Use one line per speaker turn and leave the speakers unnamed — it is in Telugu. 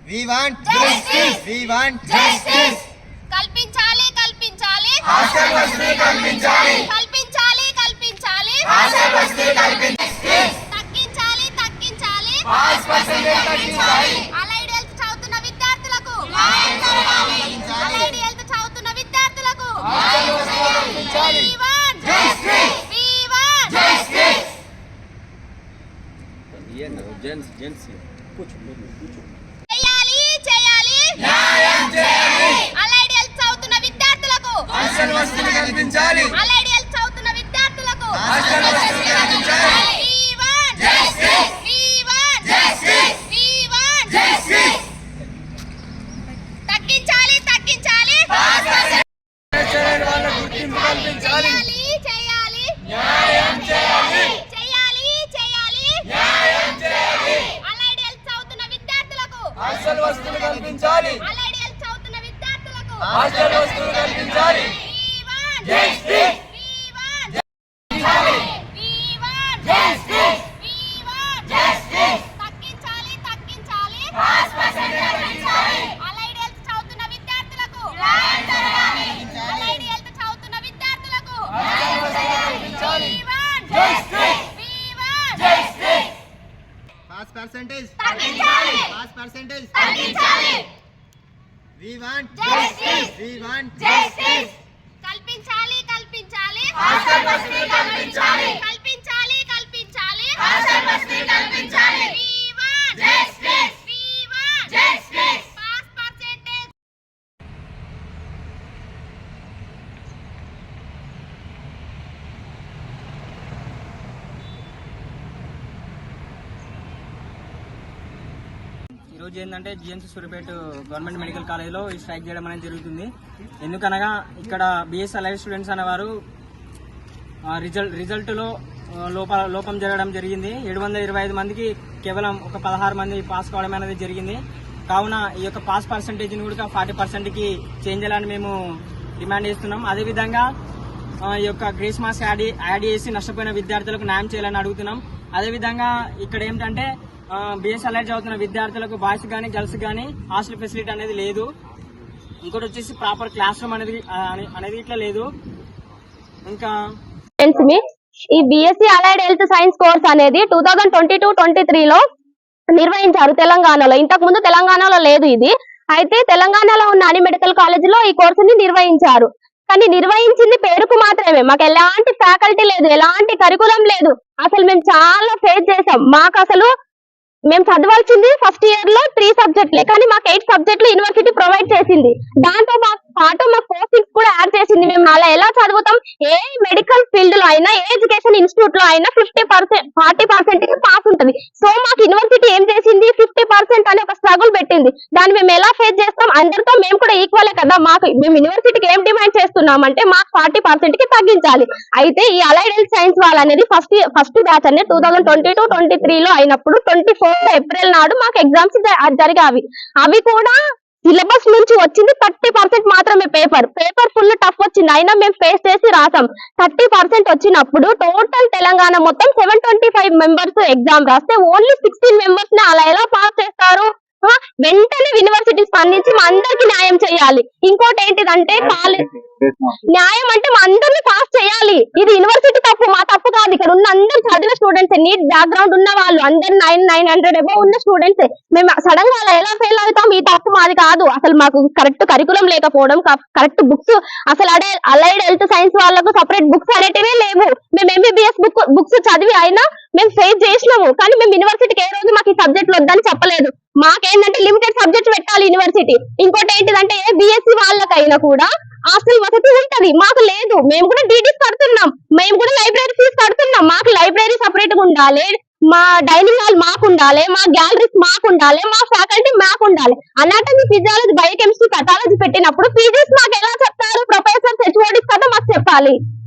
We want justice. We want justice.
కల్పించాలి కల్పించాలి
హాస్టల్ వసతి కల్పించాలి.
కల్పించాలి కల్పించాలి
హాస్టల్ వసతి కల్పించాలి.
తగ్గించాలి తగ్గించాలి
పాస్ పర్సెంటేజ్ తగ్గించాలి.
అలైడ్ హెల్త్ చదువుతున్న విద్యార్థులకు
న్యాయం జరగాలి.
అలైడ్ హెల్త్ చదువుతున్న విద్యార్థులకు
హాస్టల్ వసతి కల్పించాలి.
We want
Justice.
We want
Justice.
చేయాలి చేయాలి
న్యాయం చేయాలి.
అలైడ్ హెల్త్ చదువుతున్న విద్యార్థులకు
హాస్టల్ వసతి కల్పించాలి.
అలైడ్ హెల్త్ చదువుతున్న విద్యార్థులకు
హాస్టల్ వసతి కల్పించాలి.
We want
Justice.
We want
Justice.
We want
Justice.
తగ్గించాలి తగ్గించాలి
పాస్ పర్సెంటేజ్ వాళ్ళకు గుర్తింపు కల్పించాలి.
చేయాలి
న్యాయం చేయాలి.
చేయాలి చేయాలి
న్యాయం చేయాలి.
అలైడ్ హెల్త్ చదువుతున్న విద్యార్థులకు
హాస్టల్ వసతులు కల్పించాలి.
అలైడ్ హెల్త్ చదువుతున్న విద్యార్థులకు
హాస్టల్ వసతులు కల్పించాలి.
We want
Justice.
We want
కల్పించాలి.
We want
Justice.
We want
Justice.
తగ్గించాలి తగ్గించాలి
పాస్ పర్సెంటేజ్ తగ్గించాలి.
అలైడ్ హెల్త్ చదువుతున్న విద్యార్థులకు
న్యాయం జరగాలి.
అలైడ్ హెల్త్ చదువుతున్న విద్యార్థులకు
హాస్టల్ వసతులు కల్పించాలి.
We want
Justice.
We want
Justice. Pass percentage
తగ్గించాలి
పాస్ పర్సెంటేజ్
తగ్గించాలి
We want
Justice.
We want
Justice. కల్పించాలి కల్పించాలి
హాస్టల్ వసతి కల్పించాలి.
కల్పించాలి కల్పించాలి
హాస్టల్ వసతి కల్పించాలి.
We want
Justice.
We want
Justice.
Pass percentage
ఈరోజు ఏంటంటే జిఎంసీ సూర్యాపేట గవర్నమెంట్ మెడికల్ కాలేజ్లో ఈ స్ట్రైక్ చేయడం అనేది జరుగుతుంది. ఎందుకనగా ఇక్కడ బిఎస్ అలైడ్ స్టూడెంట్స్ అనేవారు రిజల్ట్లో లోపం జరగడం జరిగింది. 725 మందికి కేవలం ఒక 16 మంది పాస్ కావడం అనేది జరిగింది. కావున ఈ యొక్క పాస్ పర్సంటేజ్ని కూడా 40%కి చేంజ్ చేయాలని మేము డిమాండ్ చేస్తున్నాం. అదేవిధంగా ఈ యొక్క గ్రేస్ మార్క్స్ యాడ్ చేసి నష్టపోయిన విద్యార్థులకు న్యాయం చేయాలని అడుగుతున్నాం. అదేవిధంగా ఇక్కడ ఏంటంటే బిఎస్ అలైడ్ చదువుతున్న విద్యార్థులకు బాయ్స్ కానీ గర్ల్స్ కానీ హాస్టల్ ఫెసిలిటీ అనేది లేదు. ఇంకోటి వచ్చేసి ప్రాపర్ క్లాస్ రూమ్ అనేది ఇట్లా లేదు. ఇంకా
ఈ BSc allied health science course అనేది 2022-23 లో నిర్వహించారు తెలంగాణలో. ఇంతకు ముందు తెలంగాణలో లేదు ఇది. అయితే తెలంగాణలో ఉన్న అన్ని మెడికల్ కాలేజీలో ఈ కోర్సుని నిర్వహించారు. కానీ నిర్వహించింది పేరుకు మాత్రమే. మాకు ఎలాంటి ఫ్యాకల్టీ లేదు, ఎలాంటి కరికులం లేదు. అసలు మేము చాలా ఫేస్ చేసాం. మాకు అసలు మేము చదవాల్సింది ఫస్ట్ ఇయర్ లో 3 సబ్జెక్టులే, కానీ మాకు 8 సబ్జెక్టులు యూనివర్సిటీ ప్రొవైడ్ చేసింది. దాంతో పాటు మా కోచింగ్స్ కూడా యాడ్ చేసింది. మేము అలా ఎలా చదువుతాం? ఏ మెడికల్ ఫీల్డ్ లో అయినా, ఏ ఎడ్యుకేషన్ ఇన్స్టిట్యూట్ లో అయినా 50%, 40% పాస్ ఉంటుంది. సో మాకు యూనివర్సిటీ ఏం చేసింది? 50% అనే ఒక స్ట్రగుల్ పెట్టింది. దాన్ని మేము ఎలా ఫేస్ చేస్తాం? అందరితో మేము కూడా ఈక్వలే కదా. మేము యూనివర్సిటీకి ఏం డిమాండ్ చేస్తున్నాం అంటే మాకు 40% కి తగ్గించాలి. అయితే ఈ అలైడ్ హెల్త్ సైన్స్ వాళ్ళు అనేది ఫస్ట్ బ్యాచ్ అనేది 2022-23 లో అయినప్పుడు 24 ఏప్రిల్ నాడు మాకు ఎగ్జామ్స్ జరిగావి. అవి కూడా సిలబస్ నుంచి వచ్చింది 30% మాత్రమే. పేపర్ ఫుల్ టఫ్ వచ్చింది. అయినా మేము ఫేస్ చేసి రాసాం. 30% వచ్చినప్పుడు టోటల్ తెలంగాణ మొత్తం 725 మెంబర్స్ ఎగ్జామ్ రాస్తే ఓన్లీ 16 మెంబర్స్ ని అలా ఎలా పాస్ చేస్తారు? వెంటనే యూనివర్సిటీ స్పందించి మా అందరికి న్యాయం చేయాలి. ఇంకోటి ఏంటిదంటే న్యాయం అంటే మా అందరిని పాస్ చేయాలి. ఇది యూనివర్సిటీ తప్పు, మా తప్పు కాదు. ఇక్కడ ఉన్న అందరు చదివిన స్టూడెంట్స్, నీట్ బ్యాక్గ్రౌండ్ ఉన్న వాళ్ళు అందరు 900 అబౌవ్ ఉన్న స్టూడెంట్స్. మేము సడన్ గా అలా ఎలా ఫెయిల్ అవుతాం? ఈ తప్పు మాది కాదు. అసలు మాకు కరెక్ట్ కరికులం లేకపోవడం, కరెక్ట్ బుక్స్, అసలు అలైడ్ హెల్త్ సైన్స్ వాళ్ళకు సపరేట్ బుక్స్ అనేటివే లేవు. మేము ఎంబీబీఎస్ బుక్స్ చదివి అయినా మేము ఫేస్ చేసినాము. కానీ మేము యూనివర్సిటీకి ఏ రోజు మాకు ఈ సబ్జెక్టులు వద్దని చెప్పలేదు. మాకేంటంటే లిమిటెడ్ సబ్జెక్ట్ పెట్టాలి యూనివర్సిటీ. ఇంకోటి ఏంటిదంటే బిఎస్సి వాళ్ళకైనా కూడా హాస్టల్ వసతి ఉంటది, మాకు లేదు. మేము కూడా డీడీస్ కడుతున్నాం, మేము కూడా లైబ్రరీ ఫీజు కడుతున్నాం. మాకు లైబ్రరీ సపరేట్ గా ఉండాలి, మా డైనింగ్ హాల్ మాకు ఉండాలి, మా గ్యాలరీస్ మాకు ఉండాలి, మా ఫ్యాకల్టీ మాకు ఉండాలి. అనాటమీ, ఫిజియాలజీ, బయోకెమిస్ట్రీ, పెథాలజీ పెట్టినప్పుడు ఫీజెస్ మాకు ఎలా చెప్తారు? ప్రొఫెసర్స్, హెచ్ఓడీస్ కదా మాకు చెప్పాలి.